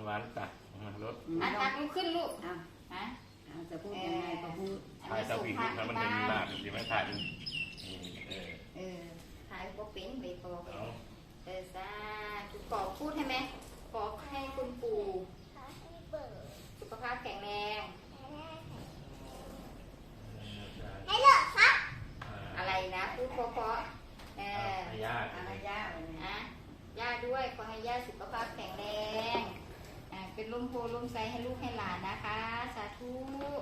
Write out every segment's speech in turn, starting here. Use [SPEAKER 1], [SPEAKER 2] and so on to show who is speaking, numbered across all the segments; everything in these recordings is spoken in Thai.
[SPEAKER 1] ำหวานตักรถ
[SPEAKER 2] ตักลุกขึ้นลูกฮะ
[SPEAKER 3] จะพูดยังไงก็พูด
[SPEAKER 1] ถ่ายตะผีถ้ามันเป็นลาบดีไหมถ่าย
[SPEAKER 2] ถ่ายก็เป็นใบปอซาคุณปอพูดให้ไหมขอให้คุณปู่สุขภาพแข็งแรงให้เลิกครับอะไรนะพูดเพราะ
[SPEAKER 1] ย่า
[SPEAKER 2] ย่าด้วยขอให้ย่าสุขภาพแข็งแรงเป็นลมโพลมไซให้ลูกให้หลานนะคะสาธุ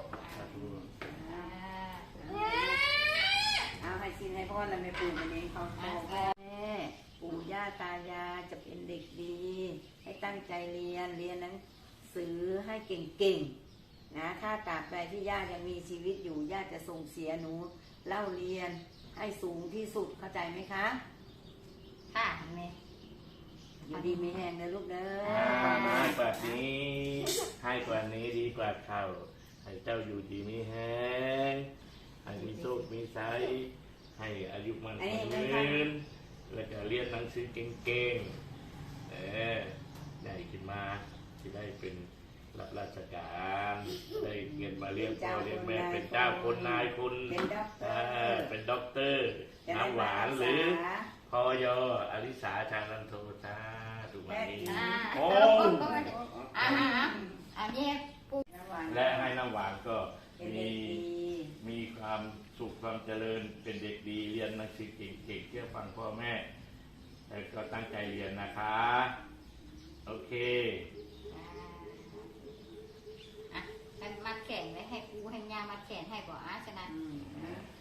[SPEAKER 3] เอาให้สินให้พ่อและแม่ปู่วันนี้เขาพ่อแม่ปู่ย่าตายายจะเป็นเด็กดีให้ตั้งใจเรียนหนังสือให้เก่งๆนะถ้าตราบใดที่ย่ายังมีชีวิตอยู่ย่าจะส่งเสียหนูเล่าเรียนให้สูงที่สุดเข้าใจไหมคะ
[SPEAKER 2] ค่ะแม่
[SPEAKER 3] อยู่ดีไม่แห้งนะลูกเด้อ
[SPEAKER 1] ให้กว่านี้ดีกว่าเขาให้เจ้าอยู่ดีไม่แห้งให้มีโชคมีชัยให้อายุมันยืนแล้วก็เรียนหนังสือเก่งๆได้ขึ้นมาที่ได้เป็นรับราชการได้เงินมาเลี้ยงพ่อเลี้ยงแม่เป็นเจ้าคนนายคุณเป็นด็อกเตอร์น้ำหวานหรือพอยอลิสาชานันโทชาถูกไหมโอ้
[SPEAKER 2] อันนี้
[SPEAKER 1] และให้น้ำหวานก็มีความสุขความเจริญเป็นเด็กดีเรียนหนังสือเก่งๆเชื่อฟังพ่อแม่แต่ก็ตั้งใจเรียนนะคะโอเค
[SPEAKER 2] มัดแขนไว้ให้ปูให้ยามัดแขนให้บ่ฉะนั้น